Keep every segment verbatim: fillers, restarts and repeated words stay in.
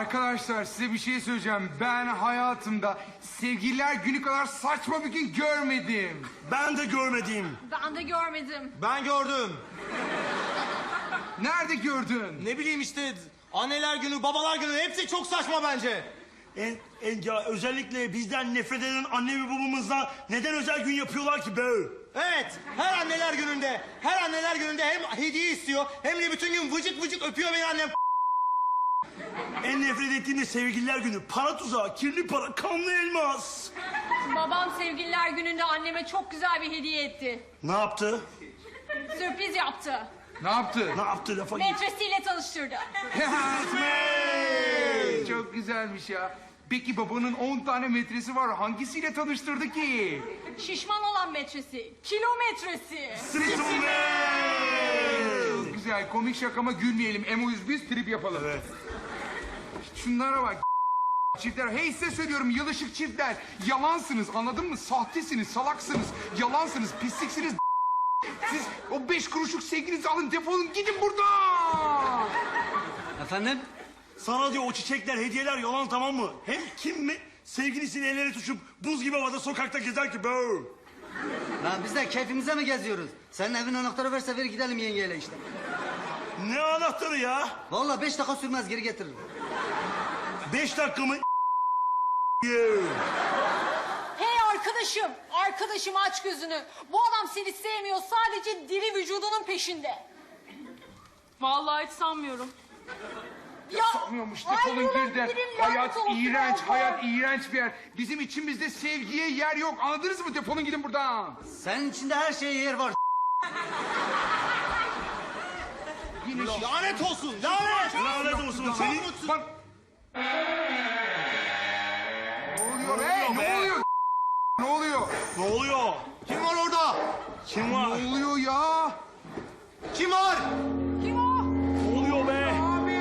Arkadaşlar size bir şey söyleyeceğim. Ben hayatımda sevgililer günü kadar saçma bir gün görmedim. Ben de görmedim. Ben de görmedim. Ben gördüm. Nerede gördün? Ne bileyim işte anneler günü, babalar günü hepsi çok saçma bence. En, en, ya özellikle bizden nefret eden anne ve babamızla neden özel gün yapıyorlar ki be? Evet, her anneler gününde, her anneler gününde hem hediye istiyor hem de bütün gün vıcık vıcık öpüyor beni annem. En nefret ettiğim de sevgililer günü. Para tuzağı, kirli para, kanlı elmas. Babam sevgililer gününde anneme çok güzel bir hediye etti. Ne yaptı? Sürpriz yaptı. Ne yaptı? Ne yaptı lafa git. Metresiyle tanıştırdı. Hey, çok güzelmiş ya. Peki babanın on tane metresi var. Hangisiyle tanıştırdı ki? Şişman olan metresi. Kilometresi. Çok güzel. Komik şakama gülmeyelim. Emoyuz biz, trip yapalım. Evet. Şunlara bak. Çiftler, hey size söylüyorum yılışık çiftler. Yalansınız, anladın mı? Sahtesiniz, salaksınız, yalansınız, pisliksiniz. Siz o beş kuruşluk sevginizi alın, defolun gidin buradan. Efendim? Sana diyor o çiçekler, hediyeler yalan, tamam mı? Hem kim mi sevgilisini elleri tutuşup buz gibi havada sokakta gezer ki be? Lan biz de keyfimize mi geziyoruz? Senin evin anahtarı verse ver gidelim yengeyle işte. Ne anahtarı ya? Vallahi beş dakika sürmez geri getiririm. Beş dakika mı? Hey arkadaşım. Arkadaşım aç gözünü. Bu adam seni sevmiyor. Sadece diri vücudunun peşinde. Vallahi hiç sanmıyorum. Ya, Sanmıyormuş, defolun ulan girden. birinin Hayat lanet olsun iğrenç, Allah. hayat iğrenç bir yer. Bizim içimizde sevgiye yer yok. Anladınız mı? Defolun gidin buradan. Senin içinde her şeye yer var. Yine şiş... Lanet olsun, lanet! Lanet olsun seni. Bak. Ne oluyor be? Ne be? oluyor? Ne oluyor? Ne oluyor? Kim var orada? Kim var? Ne oluyor ya? Kim var? Kim o? Ne oluyor be? Abi.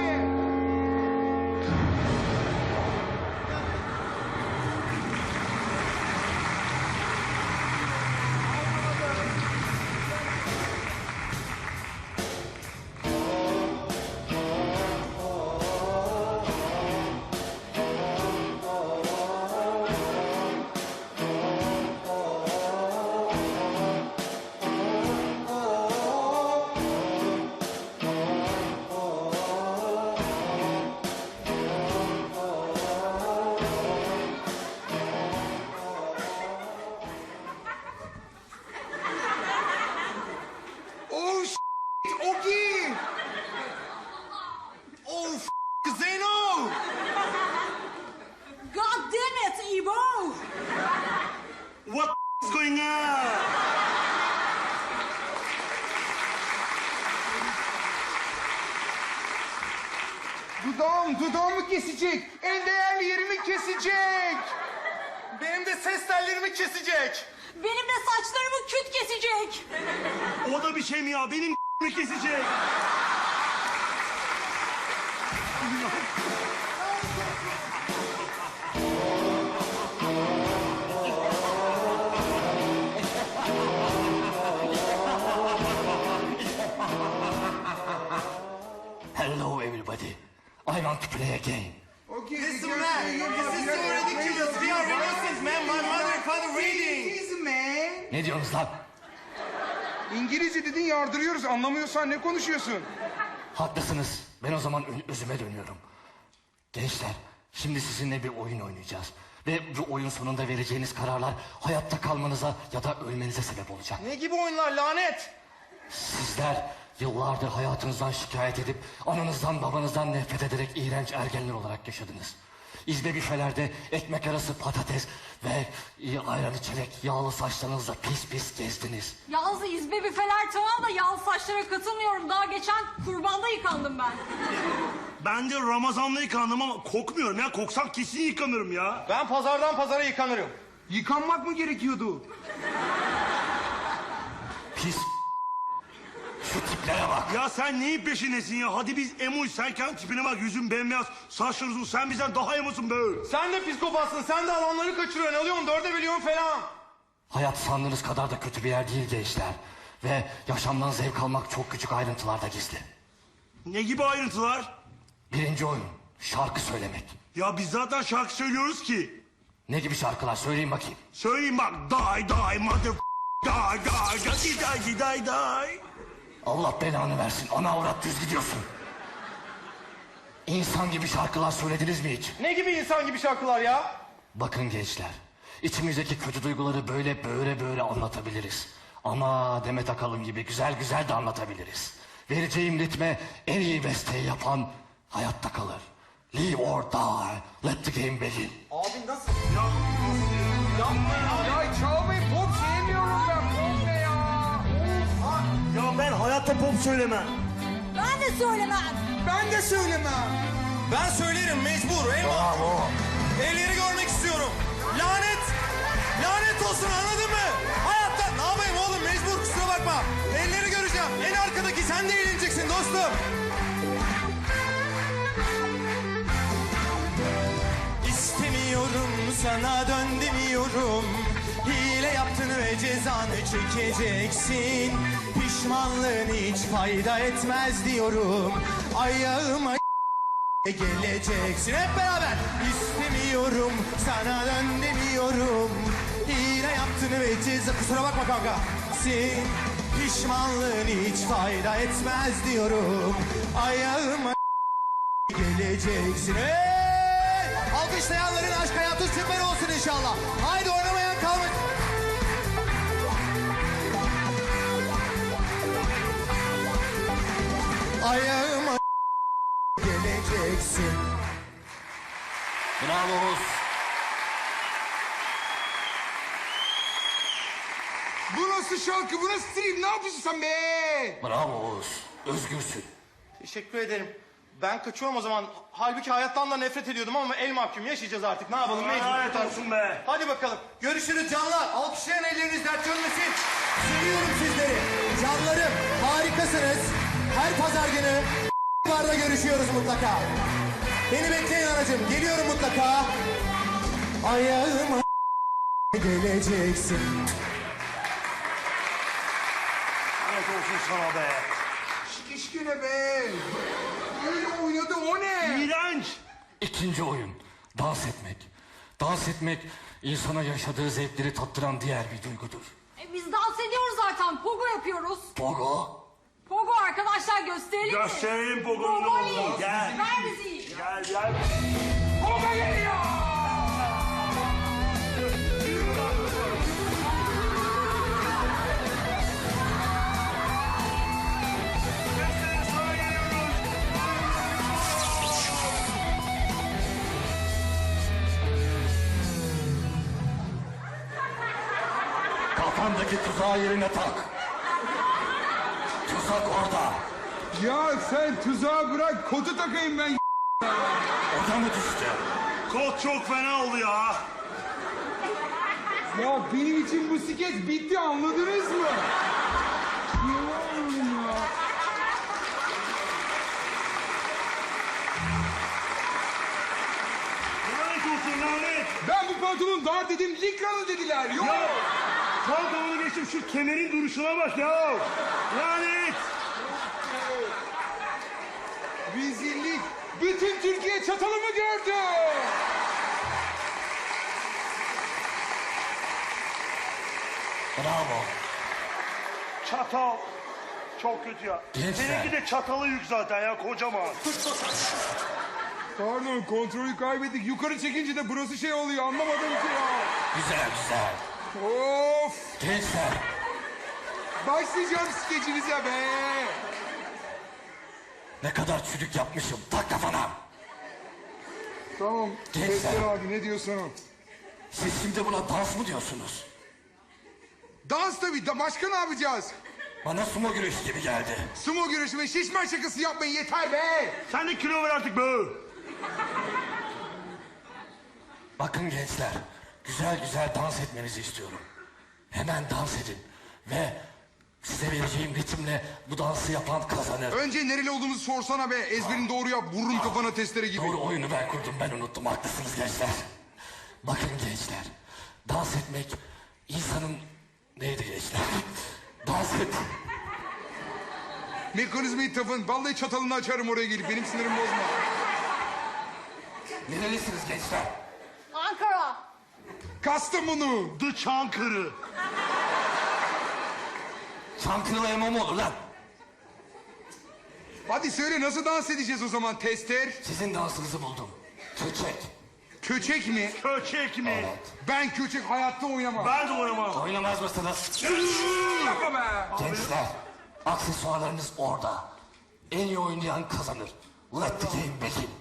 Oh shit, Ogi! Oh f- Zeyno! God damn it, Ibo! What is going on? Dudağım, dudağımı kesecek. En değerli yerimi kesecek. Benim de ses tellerimi kesecek. Benim de saçlarımı küt kesecek. O da bir şey mi ya? Benim mi kesecek? Hello, everybody. I want to play again. Ogi, Listen man, this is so ridiculous. We are innocent man. My mother and father reading. Easy man. Ne diyorsunuz lan? İngilizce dedin yardırıyoruz. Anlamıyorsan ne konuşuyorsun? Haklısınız. Ben o zaman ö- özüme dönüyorum. Gençler, şimdi sizinle bir oyun oynayacağız. Ve bu oyun sonunda vereceğiniz kararlar hayatta kalmanıza ya da ölmenize sebep olacak. Ne gibi oyunlar lanet? Sizler yıllardır hayatınızdan şikayet edip ananızdan babanızdan nefret ederek iğrenç ergenler olarak yaşadınız. İzbe büfelerde ekmek arası patates ve e, ayran içerek yağlı saçlarınızla pis pis gezdiniz. Yalnız izbe büfeler tamam da yağlı saçlara katılmıyorum. Daha geçen kurbanda yıkandım ben. Ben de Ramazan'da yıkandım ama kokmuyorum ya. Koksam kesin yıkanırım ya. Ben pazardan pazara yıkanırım. Yıkanmak mı gerekiyordu? Pis şu tiplere bak. Ya sen neyin peşindesin ya? Hadi biz emoy, sen kendi tipine bak. Yüzün bembeyaz, saçların uzun. Sen bizden daha emosun be. Sen de psikopatsın. Sen de alanları kaçırıyorsun. Alıyorsun dörde bölüyorsun falan. Hayat sandığınız kadar da kötü bir yer değil gençler. Ve yaşamdan zevk almak çok küçük ayrıntılarda gizli. Ne gibi ayrıntılar? Birinci oyun. Şarkı söylemek. Ya biz zaten şarkı söylüyoruz ki. Ne gibi şarkılar söyleyin bakayım. Söyleyeyim bak. Die die mother die die die die die die. Allah belanı versin. Ana avrat düz gidiyorsun. İnsan gibi şarkılar söylediniz mi hiç? Ne gibi insan gibi şarkılar ya? Bakın gençler. İçimizdeki kötü duyguları böyle böyle böyle anlatabiliriz. Ama Demet Akalın gibi güzel güzel de anlatabiliriz. Vereceğim ritme en iyi besteyi yapan hayatta kalır. Live or die, let the game begin. Abi nasıl? Ya çalmayı pop sevmiyorum ben. Pop ne ya? Ya ben hayatta pop söylemem. Ben de söylemem. Ben de söylemem. Ben söylerim mecbur. Eyvah. Elleri görmek istiyorum. Lanet. Lanet olsun anladın mı? Hayatta ne yapayım oğlum mecbur kusura bakma. Elleri göreceğim. En arkadaki sen de eğleneceksin dostum. İstemiyorum sana dön demiyorum. Hile yaptın ve cezanı çekeceksin. Pişmanlığın hiç fayda etmez diyorum. Ayağıma geleceksin hep beraber. İstemiyorum sana dön demiyorum. Hile yaptın ve ceza kusura bakma kanka. Sin pişmanlığın hiç fayda etmez diyorum. Ayağıma geleceksin. Hey! Alkışlayanların aşk hayatı süper olsun inşallah. Haydi oynamayan kalmış. Ayağıma geleceksin. Bravo Oğuz. Bu nasıl şarkı? Bu nasıl stream? Ne yapıyorsun sen be? Bravo Oğuz. Özgürsün. Teşekkür ederim. Ben kaçıyorum o zaman. Halbuki hayattan da nefret ediyordum ama el mahkum yaşayacağız artık. Ne yapalım mecbur. Lanet olsun be. Hadi bakalım. Görüşürüz canlar. Alkışlayan elleriniz dert görmesin. Seviyorum sizleri. Canlarım harikasınız. Her pazar günü barda görüşüyoruz mutlaka. Beni bekleyin anacığım. Geliyorum mutlaka. Ayağıma geleceksin. Lanet olsun sana be. Şişki ne be? Öyle oynadı o ne? İğrenç. İkinci oyun. Dans etmek. Dans etmek insana yaşadığı zevkleri tattıran diğer bir duygudur. E, biz dans ediyoruz zaten. Pogo yapıyoruz. Pogo. Pogo arkadaşlar gösterelim mi? Gösterelim Pogo'nun ne olduğunu. Gel. Ver bizi. Gel gel. Poga geliyor! Kafandaki tuzağı yerine tak. Tuzak orada. Ya sen tuzağı bırak, kotu takayım ben. Oda mı düştü? Kot çok fena oldu ya. Ya benim için bu skeç bitti, anladınız mı? Ya, ya. Lanet olsun lanet. Ben bu pantolon dar dedim, likralı dediler. Yok. Ya pantolonu geçtim şu kemerin duruşuna bak ya. Lanet. Rezillik. Bütün Türkiye çatalımı gördü. Bravo. Çatal. Çok kötü ya. Gençler. Seninki de çatalı yük zaten ya kocaman. Pardon, kontrolü kaybettik. Yukarı çekince de burası şey oluyor, anlamadım ki ya. Güzel güzel. Of. Gençler. Başlayacağım skeçinize be. Ne kadar çürük yapmışım. Tak kafana. Tamam. Gençler. Sesler abi, ne diyorsun o? Siz şimdi buna dans mı diyorsunuz? Dans tabii. Da başka ne yapacağız? Bana sumo güreşi gibi geldi. Sumo güreşi ve şişman şakası yapmayın, yeter be. Sen de kilo ver artık be. Bakın gençler. Güzel güzel dans etmenizi istiyorum. Hemen dans edin. Ve size vereceğim ritimle bu dansı yapan kazanır. Önce nereli olduğumuzu sorsana be. Ezberini doğru yap. Vururum kafana testere gibi. Doğru oyunu ben kurdum, ben unuttum. Haklısınız gençler. Bakın gençler. Dans etmek insanın... Neydi gençler? Dans et. Mekanizmayı tapın. Vallahi çatalını açarım oraya gelip. Benim sinirimi bozma. Nerelisiniz gençler? Ankara. Kastamonu. The Çankırı. Çankırı'la emo mu olur lan? Hadi söyle nasıl dans edeceğiz o zaman tester? Sizin dansınızı buldum. Köçek. Köçek mi? Köçek mi? Evet. Ben köçek hayatta oynamam. Ben de oynamam. Oynamaz mısınız? Yapma be. Gençler, aksesuarlarınız orada. En iyi oynayan kazanır. Let the game begin.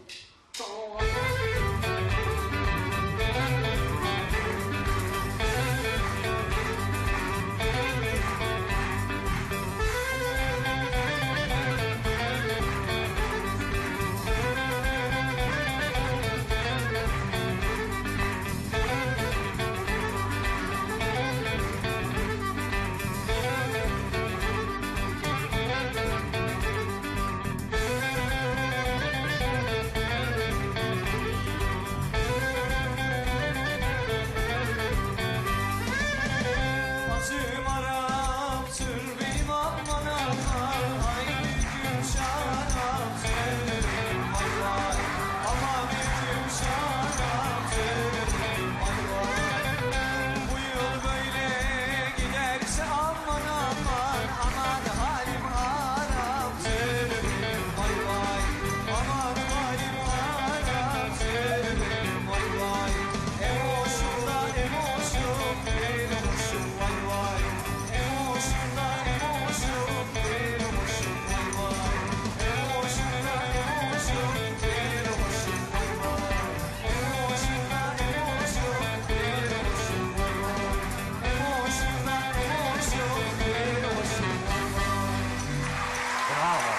Acım Arap'tır benim aman aman. Ay büyüküm şaraptır. Ay vay aman büyüküm şaraptır. Ay vay. Bu yıl böyle giderse aman aman. Aman halim haraptır. Ay vay aman halim haraptır. Ay vay. Emoşumda emoşum bir hoşum vay vay. Emoşumda emoşum bir hoşum vay vay. Emoşumda emoşum bir hoşum vay vay. Emoşumda emoşum bir hoşum vay vay. Emoşumda emoşum bir hoşum vay vay. Bravo.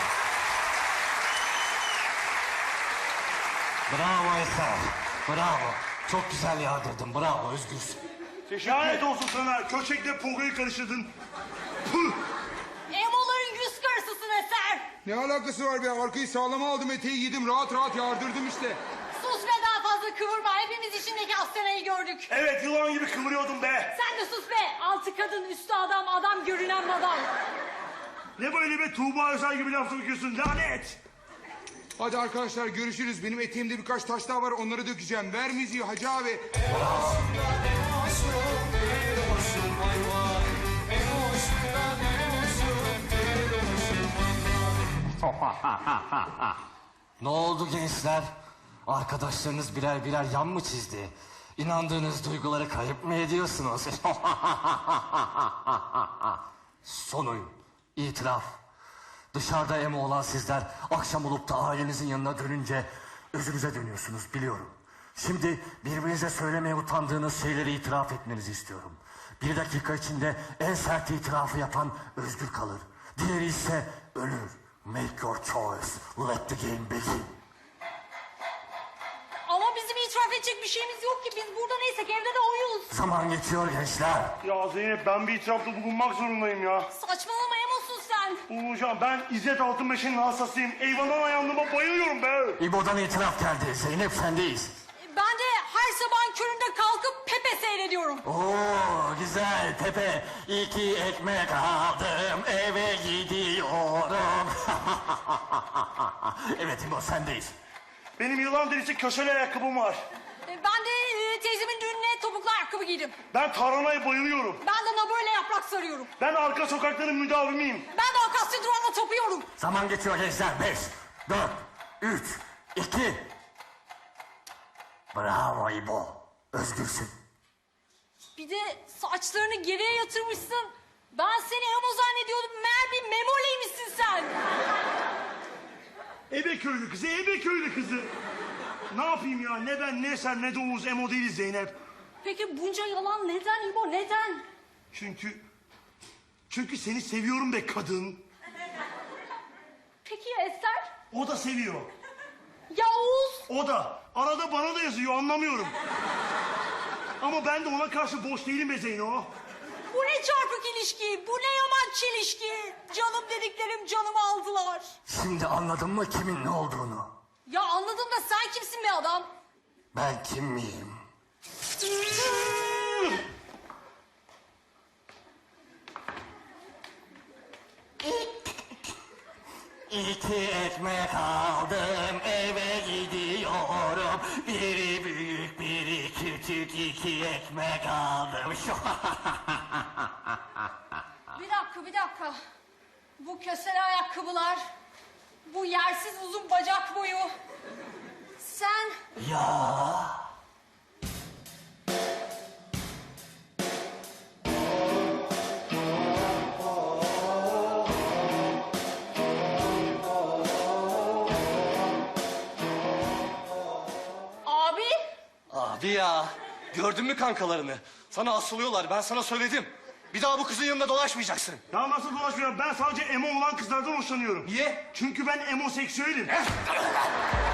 Bravo Eser. Bravo. Çok güzel yağdırdın. Bravo Özgür. Lanet olsun sana. Köçekle pogoyu karıştırdın. Püh! Emoların yüz karısısın Eser. Ne alakası var be? Arkayı sağlama aldım, eteği giydim, rahat rahat yardırdım işte. Sus ve daha fazla kıvırma. Hepimiz içindeki Asena'yı gördük. Evet yılan gibi kıvırıyordum be. Sen de sus be. Altı kadın, üstü adam, adam görünen adam. Ne böyle be Tuğba Özel gibi laf sokuyorsun lanet. Hadi arkadaşlar görüşürüz. Benim eteğimde birkaç taş daha var, onları dökeceğim. Ver müziği Hacı abi. Emoşumda emoşum bir hoşum vay vay. Emoşumda emoşum bir hoşum vay vay. Ne oldu gençler? Arkadaşlarınız birer birer yan mı çizdi? İnandığınız duyguları kayıp mı ediyorsunuz? Son oyun. İtiraf. Dışarıda emo olan sizler akşam olup da ailenizin yanına dönünce özünüze dönüyorsunuz biliyorum. Şimdi birbirinize söylemeye utandığınız şeyleri itiraf etmenizi istiyorum. Bir dakika içinde en sert itirafı yapan özgür kalır. Diğeri ise ölür. Make your choice. Let the game begin. Ama bizim itiraf edecek bir şeyimiz yok ki. Biz burada neysek evde de oyuz. Zaman geçiyor gençler. Ya Zeynep ben bir itirafta bulunmak zorundayım ya. Saçmalama Emo'sun sen. Bulunacağım. Ben İzzet Altınbeş'in hastasıyım. Eyvandan ayağımda bayılıyorum be. İbo'dan itiraf geldi. Zeynep sendeyiz. Ben de her sabahın köründe kalkıp Pepe seyrediyorum. Oo güzel Pepe. İki ekmek aldım eve gidiyorum. Evet İbo sendeyiz. Benim yılan derisi köşeli ayakkabım var. Ben de e, teyzemin düğününe topuklu ayakkabı giydim. Ben tarhanaya bayılıyorum. Ben de naburle yaprak sarıyorum. Ben arka sokakların müdavimiyim. Ben de akasya durağına tapıyorum. Zaman geçiyor gençler. Beş, dört, üç, iki. Bravo İbo. Özgürsün. Bir de saçlarını geriye yatırmışsın. Ben seni Emo zannediyordum. Meğer bir memoleymişsin sen. Ebe köylü kızı, ebe köylü kızı. Ne yapayım ya? Ne ben, ne sen, ne de Oğuz emo değiliz Zeynep. Peki bunca yalan neden İbo, neden? Çünkü... Çünkü seni seviyorum be kadın. Peki ya Eser? O da seviyor. Ya Oğuz? O da. Arada bana da yazıyor anlamıyorum. Ama ben de ona karşı boş değilim be Zeyno. Bu ne çarpık ilişki, bu ne yaman çelişki. Canım dediklerim canımı aldılar. Şimdi anladın mı kimin ne olduğunu? Ya anladım da sen kimsin be adam? Ben kim miyim? İki ekmek aldım eve gidiyorum. Biri büyük biri küçük iki ekmek aldım. Bir dakika, bir dakika. Bu kösele ayakkabılar, bu yersiz uzun bacak boyu. Sen Ya abi, Abi ya, gördün mü kankalarını? Sana asılıyorlar, ben sana söyledim. Bir daha bu kızın yanında dolaşmayacaksın. Ya nasıl dolaşmıyor? Ben sadece emo olan kızlardan hoşlanıyorum. Niye? Çünkü ben emoseksüelim. Eh,